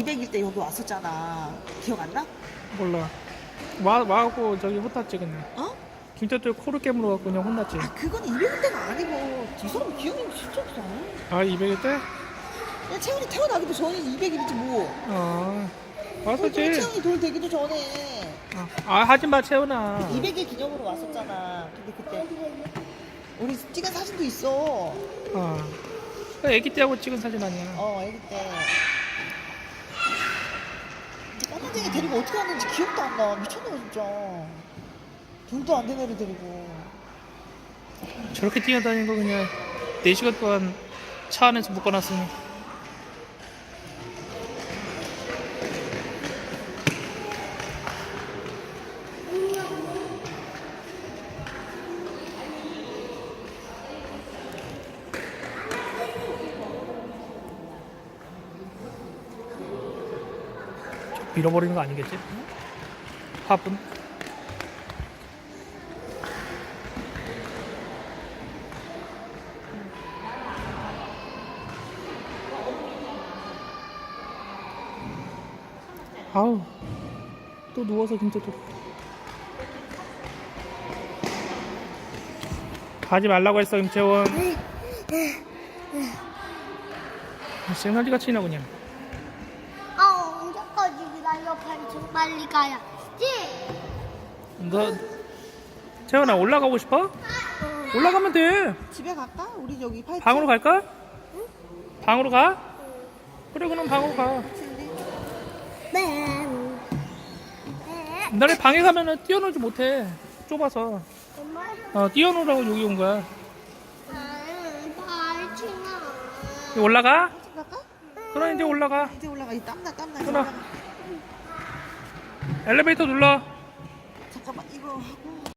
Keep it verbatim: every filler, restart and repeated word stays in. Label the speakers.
Speaker 1: 이백일 때 여기 왔었잖아. 기억 안 나?
Speaker 2: 몰라. 와, 와갖고 저기 혼났지 그냥.
Speaker 1: 어?
Speaker 2: 김태도 코를 깨물어 갖고 그냥 혼났지.
Speaker 1: 아 그건 이백일 때가 아니고 이 사람 기억이 진짜 없어.
Speaker 2: 아 이백일 때?
Speaker 1: 야 채원이 태어나기도 전에 이백일이지 뭐.
Speaker 2: 아 왔었지.
Speaker 1: 채원이 돌 되기도 전에
Speaker 2: 아, 아 하지마 채훈아.
Speaker 1: 이백일 기념으로 왔었잖아. 근데 그때 우리 찍은 사진도 있어.
Speaker 2: 아 그 애기 때하고 찍은 사진 아니야.
Speaker 1: 어 애기 때. 까만쟁이 데리고 어떻게 왔는지 기억도 안 나. 미쳤네 진짜. 돈도 안 되는 애를 데리고.
Speaker 2: 저렇게 뛰어다니는 거 그냥 네 시간 동안 차 안에서 묶어놨으니. 밀어버리는 거 아니겠지? 화분? 아우 또 누워서 진짜 또 가지 말라고 했어 김채원. 쌩날리가 치나 그냥.
Speaker 3: 아, 언제까지 기다려? 빨리 좀 빨리 가야지.
Speaker 2: 너 채원아 올라가고 싶어? 올라가면 돼.
Speaker 1: 집에 갈까? 우리 여기 팔
Speaker 2: 방으로 갈까? 방으로 가? 그래 그럼 방으로 가.
Speaker 3: 네.
Speaker 2: 나를 방에 가면은 뛰어놀지 못해. 좁아서.
Speaker 3: 엄마,
Speaker 2: 어 뛰어놀라고 여기 온 거야.
Speaker 3: 나는 발치나.
Speaker 2: 이제 올라가?
Speaker 1: 집 갈까?
Speaker 2: 그럼 이제 올라가.
Speaker 1: 이제 올라가. 이 땀나 땀나. 이제
Speaker 2: 끊어.
Speaker 1: 올라가.
Speaker 2: 엘리베이터 눌러.
Speaker 1: 잠깐만 이거 하고.